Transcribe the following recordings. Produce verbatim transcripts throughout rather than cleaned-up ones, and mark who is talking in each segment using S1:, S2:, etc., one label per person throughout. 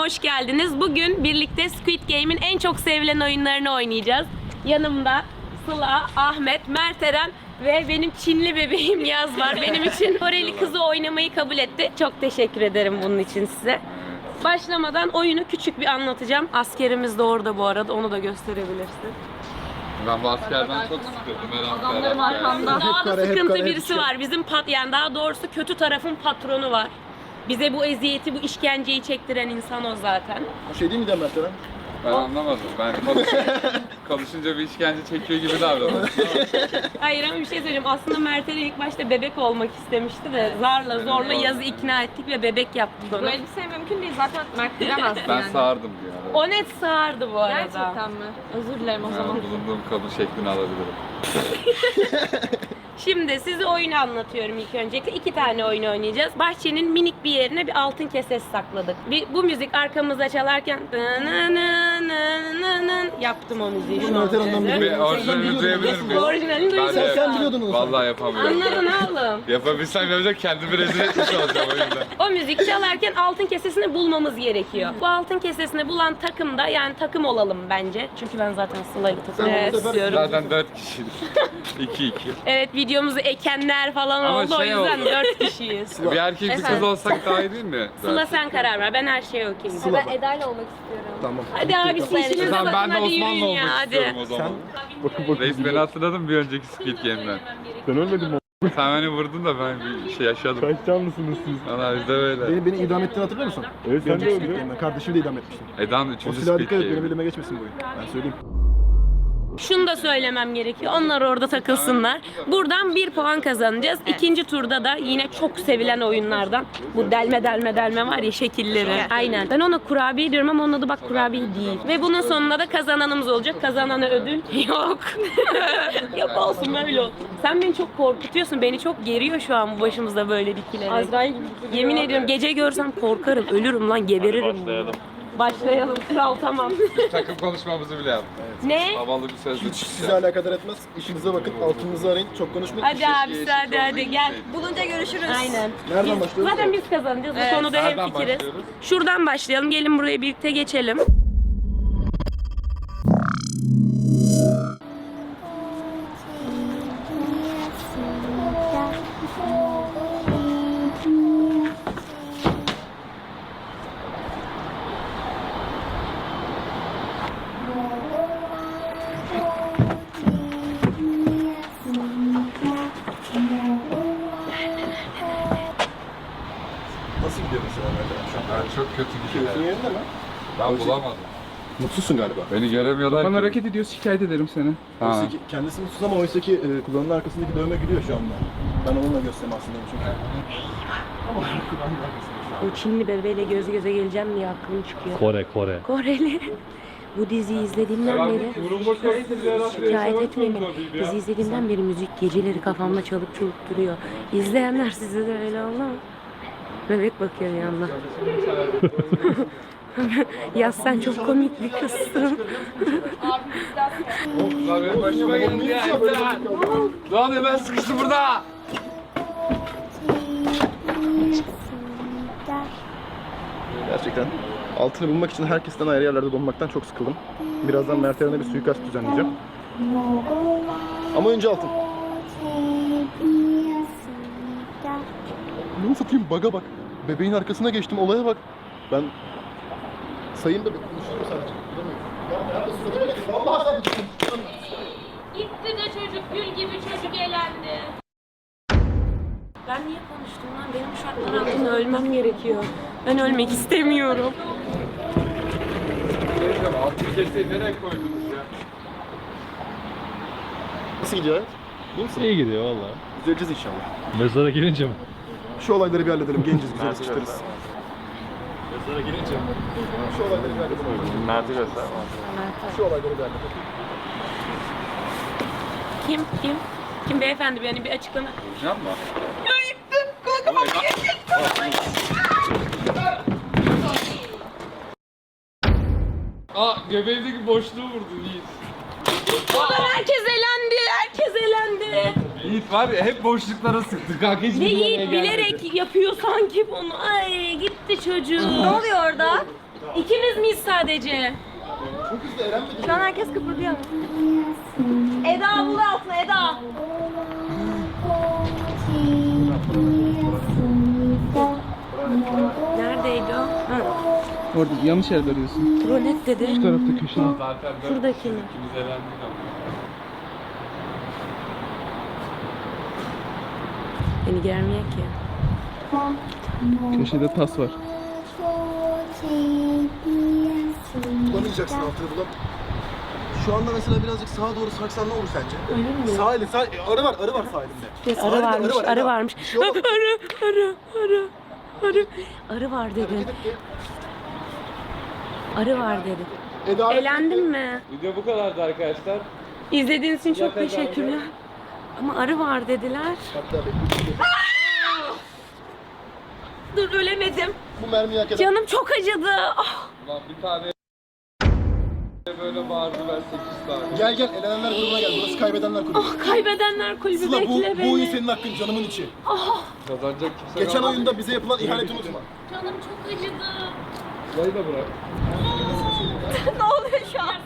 S1: hoş geldiniz. Bugün birlikte Squid Game'in en çok sevilen oyunlarını oynayacağız. Yanımda Sıla, Ahmet, Mert Eren ve benim Çinli bebeğim Yaz var. Benim için Koreli kızı oynamayı kabul etti. Çok teşekkür ederim bunun için size. Başlamadan oyunu küçük bir anlatacağım. Askerimiz de orada bu arada, onu da gösterebilirsin.
S2: Ben bu askerden çok sıkıldım.
S1: Adamlarım arkamda. Daha da sıkıntı birisi var. Bizim pat yani daha doğrusu kötü tarafın patronu var. Bize bu eziyeti, bu işkenceyi çektiren insan o zaten.
S3: Bu şey değil mi Mert Eren?
S2: Ben anlamadım. Ben konuşunca, konuşunca bir işkence çekiyor gibi davranıyorum.
S1: Hayır ama bir şey söyleyeyim. Aslında Mert Eren ilk başta bebek olmak istemişti de zarla zorla Yaz'ı ikna ettik ve bebek yaptık onu.
S4: Bu elbise mümkün değil zaten Mert bilemez
S2: Ben
S4: yani.
S2: sağırdım bir ara.
S1: O net sağırdı bu arada.
S4: Gerçekten mi? Özür dilerim o
S2: Yani
S4: zaman.
S2: bulunduğum kabul şeklini alabilirim.
S1: Şimdi size oyunu anlatıyorum ilk öncelikle. İki tane oyun oynayacağız. Bahçenin minik bir yerine bir altın kesesi sakladık. Bir, bu müzik arkamızda çalarken yaptım o müziği şu an.
S3: Mert Eren'den
S1: size.
S2: Bir orijinalini duyabilir miyim?
S1: Orijinalini
S2: Ben
S1: duyuyorsun.
S2: de-
S3: Sen biliyordun onu.
S2: Vallahi yapamıyorum.
S1: Anladın oğlum.
S2: Yapabilsem yapacak, kendimi rezil etmiş olacağım oyunda.
S1: O müzik çalarken altın kesesini bulmamız gerekiyor. Bu altın kesesini bulan takım da yani takım olalım bence. Çünkü ben zaten Sıla'yla takım
S3: Sen
S1: olmak
S3: bu sefer-
S1: istiyorum.
S2: Zaten dört kişiyiz. iki iki.
S1: Evet, videomuzu ekenler falan
S2: Ama
S1: oldu,
S2: şey
S1: o yüzden
S2: oldu.
S1: dört kişiyiz.
S2: Bir erkek bir kız
S1: Efendim?
S2: olsak daha iyi değil mi?
S1: Sıla sen karar ver, ben her şeye okeyim.
S3: Sıla.
S4: Ben Eda'yla olmak istiyorum.
S3: Tamam.
S1: Hadi abi siz işinize
S2: Tamam,
S1: bakın,
S2: ben de
S1: hadi
S2: Osmanlı
S1: yürüyün
S2: olmak
S1: ya,
S2: istiyorum
S1: hadi.
S2: o zaman.
S3: Bakın bakın.
S2: Reis beni hatırladın bir önceki Squid Game'den.
S3: Ben ölmedim mi?
S2: Sen beni vurdun da ben bir şey yaşadım.
S3: Kaç canlısınız siz?
S2: Valla bizde böyle.
S3: Beni, beni idam ettiğini hatırlıyor musun?
S5: Evet sen de
S3: Önceki
S5: öldün.
S3: Squid Kardeşimi de idam etmiştim.
S2: Edan
S3: O
S2: üçüncü
S3: silaha
S2: Squid
S3: dikkat et, benim
S2: Game.
S3: elime geçmesin bu oyun. Ben söyleyeyim.
S1: Şunu da söylemem gerekiyor, onlar orada takılsınlar. Buradan bir puan kazanacağız. İkinci turda da yine çok sevilen oyunlardan bu delme delme delme var ya, şekilleri. Aynen. Ben ona kurabiye diyorum ama onun adı bak kurabiye değil. Ve bunun sonunda da kazananımız olacak. Kazanana ödül yok. Yok olsun, böyle olsun. Sen beni çok korkutuyorsun. Beni çok geriyor şu an bu başımızda böyle dikilerek.
S4: Azrail gibi.
S1: Yemin ediyorum gece görsem korkarım. Ölürüm lan, geberirim. Başlayalım. Başlayalım. Kral tamam.
S2: Takım konuşmamızı bile yaptık.
S1: Ne?
S2: Havalı bir sözlük
S3: Hiç sizi
S2: çıkacak.
S3: alakadar etmez. İşinize bakın, altınınızı arayın. Çok konuşmayın.
S1: Hadi abisi hadi hadi gel.
S4: Bulunca görüşürüz.
S1: Aynen.
S3: Nereden
S1: Biz-
S3: başlıyoruz?
S1: Zaten biz kazanacağız. Bu
S4: Evet.
S1: konuda
S2: Nereden
S1: hemfikiriz.
S2: başlıyoruz?
S1: Şuradan başlayalım. Gelin buraya birlikte geçelim.
S3: Nasıl gidiyor mesela Mert Eren şu an?
S2: Ben çok kötü
S3: Keyfin
S2: gidiyor.
S3: yerinde mi?
S2: Ben bulamadım.
S3: Mutsuzsun galiba.
S2: Beni göremiyorlar
S5: Bana
S2: ki.
S5: hareket ediyor, şikayet ederim seni.
S2: Ha.
S3: Oysa ki kendisi mutsuz ama oysa ki e, kulağının arkasındaki dövme gülüyor şu anda. Ben onunla göstereyim aslında çünkü. Ama kulağının arkasında şu an.
S1: Bu Çinli bebeğiyle göz göze geleceğim diye aklım çıkıyor.
S5: Kore, Kore.
S1: Koreli. Bu diziyi izlediğimden beri şikayet etmeyin. Dizi izlediğimden beri müzik geceleri kafamda çalıp çalıp duruyor. İzleyenler size de öyle oldu mu? Bebek bakıyor bir yandan. Ya sen çok komik bir kızsın.
S2: Lan benim başıma geldi ya. İmtihan. Ne oluyor, ben sıkıştım burada.
S3: Gerçekten. Altını bulmak için herkesten ayrı yerlerde donmaktan çok sıkıldım. Birazdan Mert Eren'e bir suikast düzenleyeceğim. Ama önce altın. Ne satayım, baga bak. Bebeğin arkasına geçtim, olaya bak. Ben sayayım da bir konuşuyorum sadece. Ya nerede suratıma geçti? Vallahi sen gittin.
S1: Gitti de çocuk, gül gibi çocuk elendi. Ben niye konuştum lan? Benim şu şartlar altında ölmem gerekiyor. Ben ölmek istemiyorum.
S2: Altı keseyi nereye koydunuz ya?
S3: Nasıl gidiyor hayat? İyi misin?
S5: İyi gidiyor valla.
S3: Düzeleceğiz inşallah.
S5: Mezara girince mi?
S3: Şu olayları bir halledelim, genciz, güzel sıçtarız.
S5: Mezara girince mi?
S3: Şu olayları bir halledelim.
S5: Mert'i göster.
S3: Şu olayları bir halledelim.
S1: Kim? Kim? Kim beyefendi? Yani bir açıklama.
S2: Vuracağım mı? Aa, göbeğimdeki boşluğu vurdun Yiğit.
S1: Ulan herkes elendi, herkes elendi.
S2: Yiğit var ya, hep boşluklara sıktı. Kanka hiç
S1: Ve Yiğit bilerek yapıyor sanki bunu. Ay gitti çocuğum.
S4: Ne oluyor orada?
S1: İkimiz miyiz sadece?
S3: Çok hızlı Eren mi?
S4: Şu an herkes kıpırdıyor. Eda bul altına Eda.
S1: Neredeydi o? Ha.
S5: Orada yanlış yerde arıyorsun.
S1: Rolet dedi.
S5: Şu tarafta köşede.
S2: Zaten dört
S1: Şuradaki mi?
S2: ikimiz elendik ama.
S1: Beni görmüyor ki.
S5: Köşede tas var.
S3: Bulamayacaksın altını bulam. Şu anda mesela birazcık sağa doğru sarksan ne olur sence?
S1: Öyle mi?
S3: Sağ elin, sağ, arı var, arı var sağ elinde.
S1: Bir
S3: Sağ
S1: arı
S3: elinde
S1: varmış,
S3: var,
S1: arı
S3: Eda.
S1: varmış.
S3: Bir şey olmaz.
S1: Arı, arı, arı, arı. Arı var dedi. Arı var dedi.
S3: Eda,
S1: Eğlendin mi?
S2: Video bu kadardı arkadaşlar.
S1: İzlediğiniz için çok teşekkürler. Ama arı var dediler.
S3: Hatta bekle.
S1: Dur ölemedim.
S3: Bu mermiyi hak eden.
S1: Canım çok acıdı. Ah.
S2: Ulan bir tane böyle bağırdı ben sekiz tane.
S3: Gel gel, elenenler grubuna gel. Burası kaybedenler kulübü.
S1: Ah, kaybedenler kulübü
S3: Sıla bu,
S1: bekle
S3: bu
S1: beni.
S3: oyun senin hakkın, canımın içi.
S2: Kazanacak kimse
S3: Geçen
S2: kalmadı.
S3: oyunda bize yapılan ihaneti unutma.
S1: Canım çok acıdı.
S2: Burayı da bırak.
S4: Ne oluyor şu an?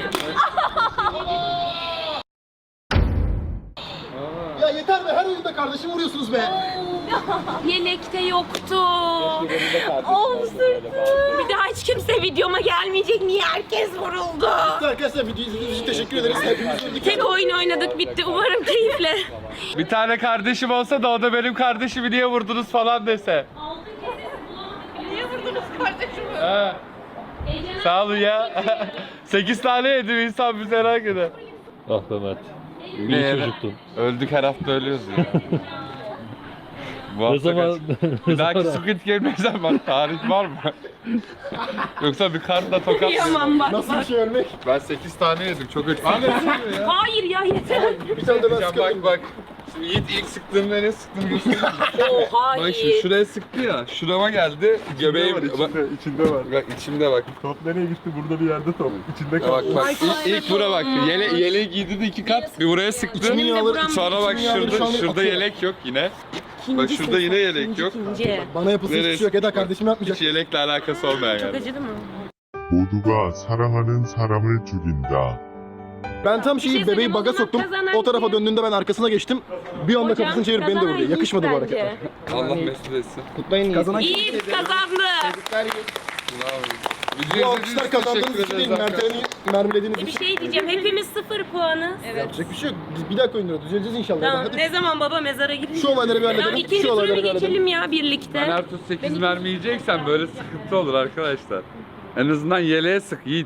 S3: Ya yeter be, her oyunda kardeşim vuruyorsunuz be.
S1: Yelekte yoktu.
S4: Of sırtım.
S1: Bir daha hiç kimse videoma gelmeyecek. Niye herkes vuruldu?
S3: Arkadaşlar video izlediğiniz için teşekkür ederiz. Hepimiz öldük.
S1: Tek oyun oynadık bitti. Umarım keyifle.
S2: Bir tane kardeşim olsa da o da benim kardeşimi niye vurdunuz falan dese.
S4: Niye vurdunuz kardeşimi?
S2: He. Sağ olun ya. sekiz tane yedim insan bize merak eder.
S6: Ah be Mert.
S2: Ne
S6: İyi
S2: yedi?
S6: çocuktun.
S2: Öldük her hafta ölüyoruz ya. Bu
S6: Ne
S2: hafta
S6: zaman...
S2: kaç? Bir dahaki Squid Game ne zaman? Tarih var mı? Yoksa bir kartla tokat mı?
S1: Yaman bak
S3: Nasıl bir
S1: bak.
S3: şey ölmek?
S2: Ben sekiz tane yedim çok acı. Abi
S1: Hayır ya yeter.
S3: Bir tane de ben
S2: bak
S3: sıkıldım.
S2: bak. Şimdi Yiğit ilk sıktığımda ne sıktığını göstereyim.
S1: Oh
S2: Bak şimdi
S1: hayır.
S2: şuraya sıktı ya. Şurama geldi. Göbeğim. Bak,
S3: içinde var.
S2: bak içimde bak.
S3: Top nereye gitti? Burada bir yerde top. İçinde
S2: Ya bak bak ilk, ilk bura bak. Yele, yeleği giydirdi iki kat. Bir buraya sıktı.
S3: İçimin yağları-
S2: Sonra bak
S3: içimin yağları şu
S2: şurada
S3: an
S2: şurada
S3: akıyor.
S2: yelek yok yine.
S1: İkinci
S2: Bak şurada yine
S1: ses.
S2: yelek
S1: İkinci,
S2: yok.
S1: ikinci.
S3: Bana yapılsın hiçbir şey yok. Eda kardeşim yapmayacak.
S2: Hiç yelekle alakası olmayan
S1: Çok
S2: yani.
S1: acıdı mı?
S7: 모두가 사랑하는 사람을 죽인다.
S3: Ben tam
S1: Bir şey
S3: şeyi bebeği
S1: söyleyeyim, o
S3: baga
S1: zaman
S3: soktum.
S1: kazanan
S3: O tarafa
S1: kim?
S3: döndüğünde ben arkasına geçtim. Bir anda
S1: Hocam,
S3: kafasını çevirip beni de
S1: kazanan
S3: vurdu.
S1: Yiğit
S3: Yakışmadı bu
S1: bence.
S3: hareketler.
S2: Allah mesut etsin.
S5: Kutlayın
S3: Kazanan
S1: Yiğit kazandı.
S2: Bravo.
S3: Bu
S2: Video
S3: alkışlar
S2: izlediğiniz için
S3: kazandığınız
S2: teşekkür
S3: için değil,
S2: ederiz
S3: Mert'e mermilediğiniz
S1: Bir
S3: için.
S1: şey diyeceğim. Hepimiz sıfır puanı.
S3: Yapacak bir şey yok. Biz bir dakika oynuyoruz. Düzeleceğiz inşallah.
S1: Tamam.
S3: Hadi.
S1: Ne zaman baba mezara gidecek?
S3: Şu olayları bir
S1: Tamam,
S3: halledelim.
S1: ikinci
S3: Şu
S1: turu
S3: olayları
S1: bir
S3: bir halledelim.
S1: geçelim ya birlikte.
S2: Ben her tur sekiz mermi yiyeceksen böyle sıkıntı olur arkadaşlar. En azından yeleğe sık Yiğit.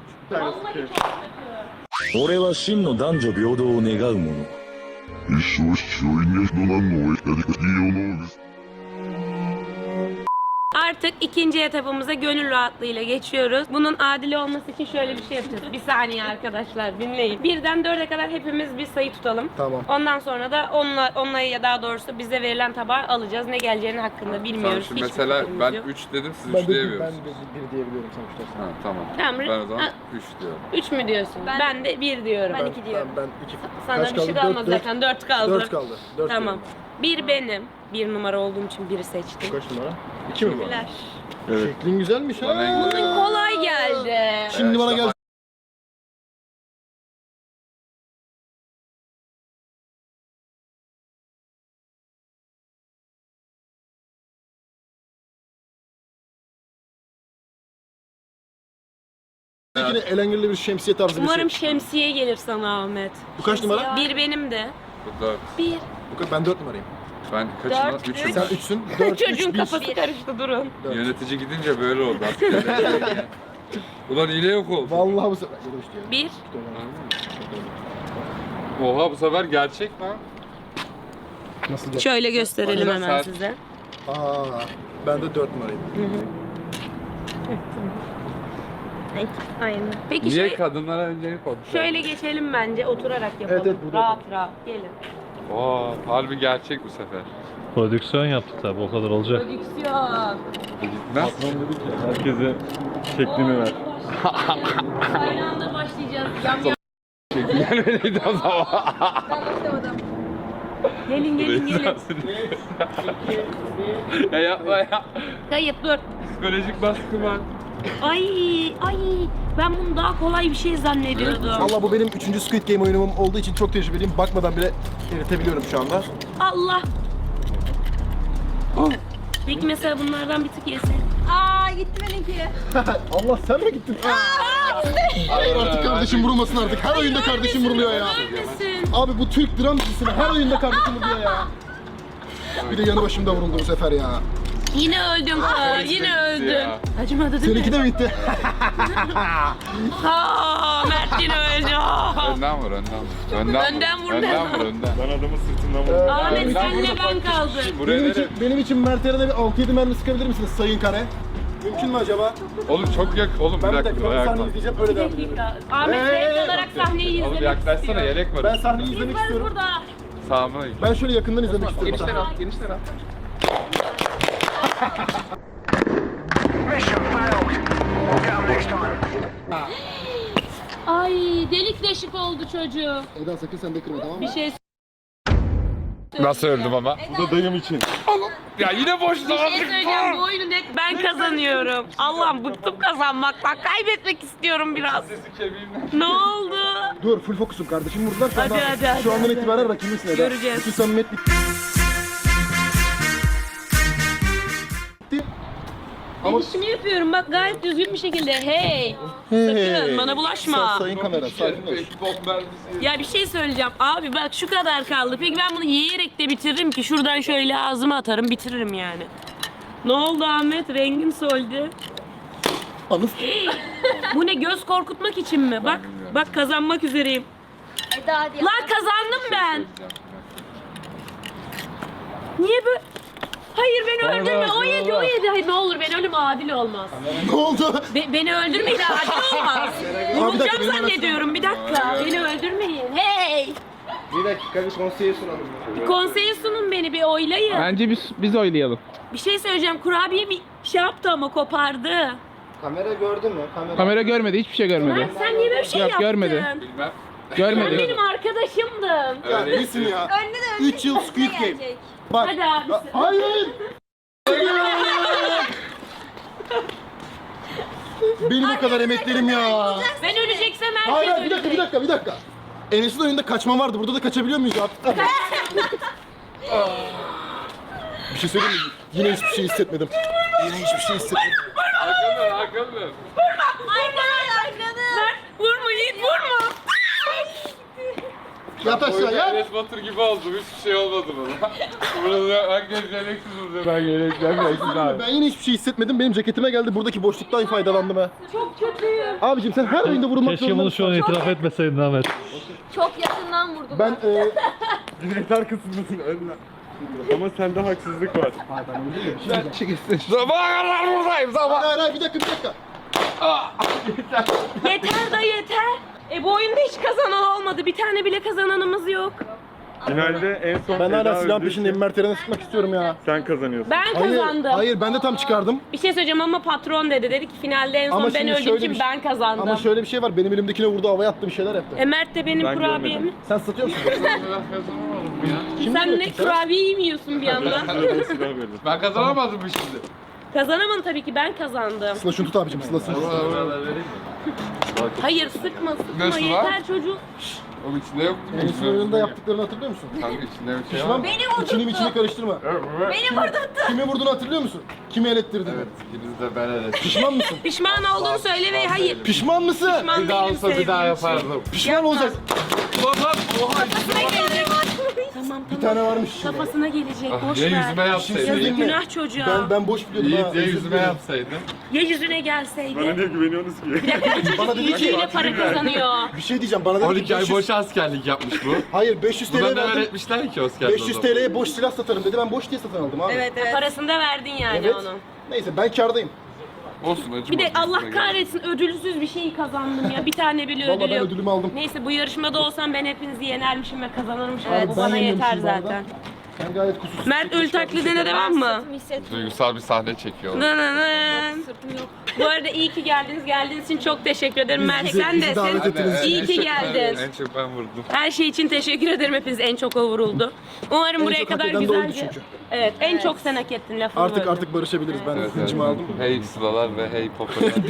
S8: 俺は真の男女平等を願う者。
S7: 一生父親に人なのをやりたいよのです。
S1: Artık ikinci etapımıza gönül rahatlığıyla geçiyoruz. Bunun adil olması için şöyle bir şey yapacağız. Bir saniye arkadaşlar dinleyin. Birden dörde kadar hepimiz bir sayı tutalım.
S3: Tamam.
S1: Ondan sonra da onunla, onunla ya daha doğrusu bize verilen tabağı alacağız. Ne geleceğini hakkında
S2: Tamam
S1: bilmiyoruz.
S2: şimdi
S1: Hiçbir
S2: mesela
S1: fikrimiz
S2: ben
S1: yok.
S2: üç dedim siz
S3: Ben
S2: üç
S3: de, ben
S2: diyemiyorsunuz.
S3: de bir diyebiliyorum sonuçta.
S2: Ha, tamam.
S1: Tamam.
S2: Ben o zaman
S1: Ha,
S2: üç diyorum.
S1: üç mü diyorsun? Ben,
S4: Ben-
S1: de bir diyorum.
S4: Ben iki diyorum.
S3: Ben, ben iki.
S1: Sana
S3: Kaç
S1: bir şey
S3: kaldı?
S1: kalmadı
S3: Dört,
S1: zaten. Dört kaldı.
S3: Dört kaldı. Dört
S1: Tamam.
S3: diyorum.
S1: Bir benim. Bir numara olduğum için biri seçtim.
S3: Kaç numara? İki mi bu?
S1: Teşekkürler.
S2: Evet.
S3: Şeklin güzelmiş ha.
S2: Bana en güzel.
S1: Kolay geldi.
S3: Şimdi bana gel. Yine elengirli bir şemsiye tarzı bir
S1: Umarım
S3: şey.
S1: şemsiye gelir sana Ahmet.
S3: Bu kaç numara?
S1: Bir benim de.
S2: Bu dört.
S1: Bir.
S3: Bu kaç- Ben dört numarayım.
S2: Ben kaçım?
S1: Dört,
S2: Üçüm.
S3: Sen üçsün. Dört,
S1: Çocuğun
S3: üç, bir.
S1: kafası karıştı durun.
S3: Dört.
S2: Yönetici gidince böyle oldu. Ulan hile yok oldu.
S3: Vallahi bu sefer. Ya da üç diyorum.
S1: Bir.
S2: Oha bu sefer gerçek lan.
S3: Nasıl dört?
S1: Şöyle gösterelim
S2: Aynen,
S1: hemen
S2: sen-
S1: size.
S3: Aa, ben de dört numarayım.
S1: Aynen. Peki
S2: Niye
S1: şey,
S2: kadınlara öncelik oldu?
S1: şöyle geçelim bence oturarak yapalım.
S3: Evet, evet, burada
S1: rahat rahat gelin.
S2: Oo, harbi gerçek bu sefer.
S6: Prodüksiyon yaptık tabi o kadar olacak.
S1: Prodüksiyon.
S2: Gitmez.
S6: Herkese şeklini ver.
S1: Aynı anda başlayacağız. Yam yam.
S2: Gelmediydi o zaman.
S1: Gelin gelin gelin.
S2: ya yapma ya.
S1: Kayıt dur.
S2: Psikolojik baskı var.
S1: Ay ay ben bunu daha kolay bir şey zannediyordum.
S3: Valla bu benim üçüncü Squid Game oyunum olduğu için çok tecrübeliyim. Bakmadan bile eritebiliyorum şu anda.
S1: Allah. Peki mesela bunlardan bir tık yesen.
S4: Aa gitti benimki.
S3: Allah sen mi gittin? Hayır artık kardeşim vurulmasın artık. Her oyunda kardeşim vuruluyor ya.
S1: Ölmesin.
S3: Abi bu Türk dram dizisine her oyunda kardeşim vuruluyor ya. Bir de yanı başımda vuruldu bu sefer ya.
S1: Yine öldüm ha, yine öldüm.
S2: ya.
S1: Acımadı değil
S3: Seninki
S1: mi?
S3: de mi gitti?
S1: Ha, Mert yine öldü.
S2: Önden vur, önden vur. Önden,
S1: Önden vur,
S2: Önden
S1: önden
S2: vur, önden.
S6: Ben adamın sırtından vurdum.
S1: Ahmet
S2: Önden
S1: senle
S2: vur,
S1: ben
S2: bak,
S1: kaldım.
S2: Buraya
S3: Benim
S2: nereye?
S3: için, benim için Mert Eren'e bir altı yedi mermi sıkabilir misiniz Sayın Kare? Mümkün mü acaba?
S2: Oğlum çok yak. Oğlum
S3: Ben
S2: bir
S3: bir
S2: dakika.
S3: dakika ben
S2: ayakta.
S3: sahneyi izleyeceğim öyle devam edelim.
S1: Dakika. Ahmet
S3: Hey!
S1: renk olarak sahneyi
S2: Oğlum
S1: izlemek
S2: yaklaşsana,
S1: istiyor.
S2: yelek var.
S3: Ben sahneyi
S1: Biz
S3: izlemek
S1: varız
S3: istiyorum.
S1: burada.
S2: Sağıma git.
S3: Ben şöyle yakından izlemek istiyorum.
S2: Genişler al, genişler al.
S1: Ay delik deşik oldu çocuğu.
S3: Eda sakın sen de kırma tamam mı?
S1: Bir şey
S2: Nasıl öldüm ama?
S6: Bu da dayım için.
S2: Ya yine boş
S1: Bir şey söyleyeceğim, bu oyunu net ben kazanıyorum. Allah'ım bıktım kazanmaktan, kaybetmek istiyorum biraz.
S2: Sesi kemiğimden.
S1: Ne oldu?
S3: Dur full fokusum kardeşim vurdular. Şu,
S1: Hadi,
S3: anda,
S1: hadi, hadi.
S3: şu andan itibaren rakibimsin Eda.
S1: Göreceğiz.
S3: Bütün samimiyet bitti. Ama
S1: İşimi yapıyorum bak gayet düzgün bir şekilde. Hey!
S3: Hey.
S1: Sakın bana bulaşma.
S3: Sa- sayın kamera sakin ol.
S2: Bok mermisi.
S1: Ya bir şey söyleyeceğim. Abi bak şu kadar kaldı. Peki ben bunu yiyerek de bitiririm ki. Şuradan şöyle ağzıma atarım bitiririm yani. Ne oldu Ahmet? Rengin soldu.
S3: Anız.
S1: Bu ne, göz korkutmak için mi? Bak bak kazanmak üzereyim.
S4: Eda hadi.
S1: Lan kazandım ben. Niye böyle? Hayır beni öldürme. O yedi o yedi. Hayır ne olur beni ölüm adil olmaz.
S3: Ne oldu?
S1: Be- beni öldürmeyin adil olmaz.
S3: dakika,
S1: Vurulacağım
S3: benim
S1: zannediyorum. Bir dakika. Beni öldürmeyin. Hey!
S3: Bir dakika bir konseye sunalım.
S1: Bir konseye sunun beni bir oylayın.
S5: Bence biz biz oylayalım.
S1: Bir şey söyleyeceğim. Kurabiye bir şey yaptı ama kopardı.
S3: Kamera gördü mü? Kamera.
S5: Kamera görmedi, hiçbir şey görmedi.
S1: Mert sen niye böyle bir şey
S5: Yok,
S1: yaptın?
S5: görmedi.
S2: Bilmem.
S1: Sen
S5: Görmedi.
S1: benim arkadaşımdın.
S3: Ya iyisin ya.
S4: Önde de önde.
S3: üç yıl Squid Game.
S4: gelecek.
S3: Bak.
S1: Hadi abi.
S3: Ya, hayır. Benim o kadar emeklerim ya.
S1: Ben öleceksem herkes
S3: Hayır hayır, bir dakika
S1: ölecek.
S3: bir dakika bir dakika. Enes'in oyunda kaçma vardı. Burada da kaçabiliyor muyuz ya? Bir şey söyleyeyim mi? Yine hiçbir şey hissetmedim. Yine hiçbir şey hissetmedim.
S2: Arkamda, arkamda.
S1: Mert vurma Yiğit vurma.
S3: Yat aşağı ya.
S2: Enes Batur gibi oldum. Hiçbir şey olmadı bana. Burada herkes gereksiz vurdu. Ben gereksiz, gereksiz abi.
S3: Ben yine hiçbir şey hissetmedim. Benim ceketime geldi. Buradaki boşluktan faydalandım ha.
S1: Çok kötüyüm.
S3: Abicim sen her oyunda vurulmak
S6: Keşke
S3: zorunda
S6: bunu şu an
S3: mısın?
S6: itiraf etmeseydin Ahmet.
S4: Çok yakından vurdum.
S3: Ben e,
S6: Direkt arkasındasın önüne. Ama sende haksızlık var.
S2: Sabaha kadar buradayım, sabah.
S3: hayır hayır bir dakika bir dakika.
S1: Yeter da yeter. E bu oyunda hiç kazanan olmadı. Bir tane bile kazananımız yok.
S6: Finalde en son
S3: Ben hala
S6: Eda
S3: silahın
S6: öldüğü
S3: peşindeyim.
S6: için
S3: Mert Eren'e sıkmak istiyorum ya.
S6: Sen kazanıyorsun.
S1: Ben
S3: Hayır,
S1: kazandım.
S3: hayır ben de tam çıkardım.
S1: Bir şey söyleyeceğim ama patron dedi. Dedi ki finalde en son
S3: Ama
S1: ben
S3: şimdi
S1: öldüğüm
S3: şöyle
S1: için
S3: bir şey-
S1: ben kazandım.
S3: Ama şöyle bir şey var. Benim elimdekine vurdu, havaya attı, bir şeyler yaptı.
S1: E Mert de benim
S6: Ben
S1: kurabiyemi.
S6: görmedim.
S3: Sen satıyor musun? Kim
S1: Sen
S3: diyor
S1: ne
S3: ki sen?
S1: kurabiye mi yiyorsun bir yandan?
S6: Sırada silah verin.
S2: Ben kazanamadım mı şimdi?
S1: Kazanamadım tabii ki ben kazandım.
S3: Sıla şunu tut abicim, Sıla şunu tut.
S1: Hayır sıkma sıkma
S2: Nasıl
S1: yeter
S2: lan?
S1: çocuk.
S2: Oğlum içinde yoktu mu?
S3: Enes'in oyununda yaptıklarını hatırlıyor musun?
S2: Kanka içinde bir şey var.
S3: Pişman.
S4: Beni vurdurttu.
S3: İçini içini karıştırma.
S4: Beni vurdurttu.
S3: Kimi vurduğunu hatırlıyor musun? Kimi elettirdin?
S2: Evet, ikiniz de ben evet.
S3: Pişman mısın?
S1: Pişman olduğunu söyle ve hayır.
S3: Pişman mısın?
S1: Pişman
S2: Bir daha
S1: değilim
S2: olsa bir daha
S1: sevdiğim için.
S2: yapardım.
S3: Pişman olacaksın.
S2: Ulan lan, oha.
S1: Kafasına gelecek. Tamam
S3: Bir
S1: tamam.
S3: tane varmış içinde.
S1: Kafasına gelecek
S2: Ah,
S1: boş
S2: ya
S1: ver.
S2: yüzüme yapsaydın.
S3: Şey
S1: Yazık
S3: mi?
S1: günah çocuğa.
S3: Ben, ben boş biliyordum ha.
S2: Yiğit ya
S3: özür
S2: yüzüme
S3: dilerim.
S2: yapsaydın.
S1: Ya yüzüne
S6: Bana
S1: gelseydi.
S6: niye güveniyorsunuz ki?
S3: Bana dedi ki,
S1: İyiyle para kazanıyor.
S3: bir şey diyeceğim bana dedi
S2: on
S3: ki
S2: iki ay
S3: beş yüz
S2: boş askerlik yapmış bu.
S3: Hayır beş yüz
S2: Buna
S3: TL'ye
S2: ne
S3: verdim.
S2: öğretmişler ki askerde?
S3: beş yüz TL'ye boş silah satarım dedi. Ben boş diye satın aldım abi.
S4: Evet evet.
S1: Parasını da verdin yani
S3: Evet.
S1: onu.
S3: Neyse ben kârdayım.
S2: Olsun acıma.
S1: Bir de Allah kahretsin ödülsüz bir şey kazandım ya. Bir tane bile
S3: Vallahi
S1: ödül
S3: ben
S1: yok.
S3: ödülümü aldım.
S1: Neyse bu yarışmada olsam ben hepinizi yenermişim ve kazanırmışım.
S3: Evet,
S1: Bu
S3: ben
S1: bana yeter
S3: yenilmişim bu arada.
S1: zaten.
S3: Ben gayet kusursuz.
S1: Mert ölü taklidine devam mı?
S4: Sırtımı hissettim.
S2: Duygusal bir sahne çekiyor.
S1: Nı nı nı.
S4: Sırtım yok.
S1: Bu arada iyi ki geldiniz. Geldiğiniz için çok teşekkür ederim. Mert
S3: bizi-
S1: sen
S3: bizi
S1: de
S3: davet
S1: sen
S3: ettiniz.
S1: iyi ki geldin.
S2: En çok ben vurdum.
S1: Her şey için teşekkür ederim. Hepiniz en çok o vuruldu. Umarım
S3: En
S1: buraya
S3: çok hak
S1: kadar
S3: eden de oydu
S1: güzelce.
S3: çünkü.
S1: Evet, en çok sen hak ettin lafını
S3: Artık
S1: böldüm.
S3: artık barışabiliriz. Ben
S2: Evet,
S3: hıncımı
S2: evet.
S3: aldım.
S2: Hey sıralar ve hey popolar.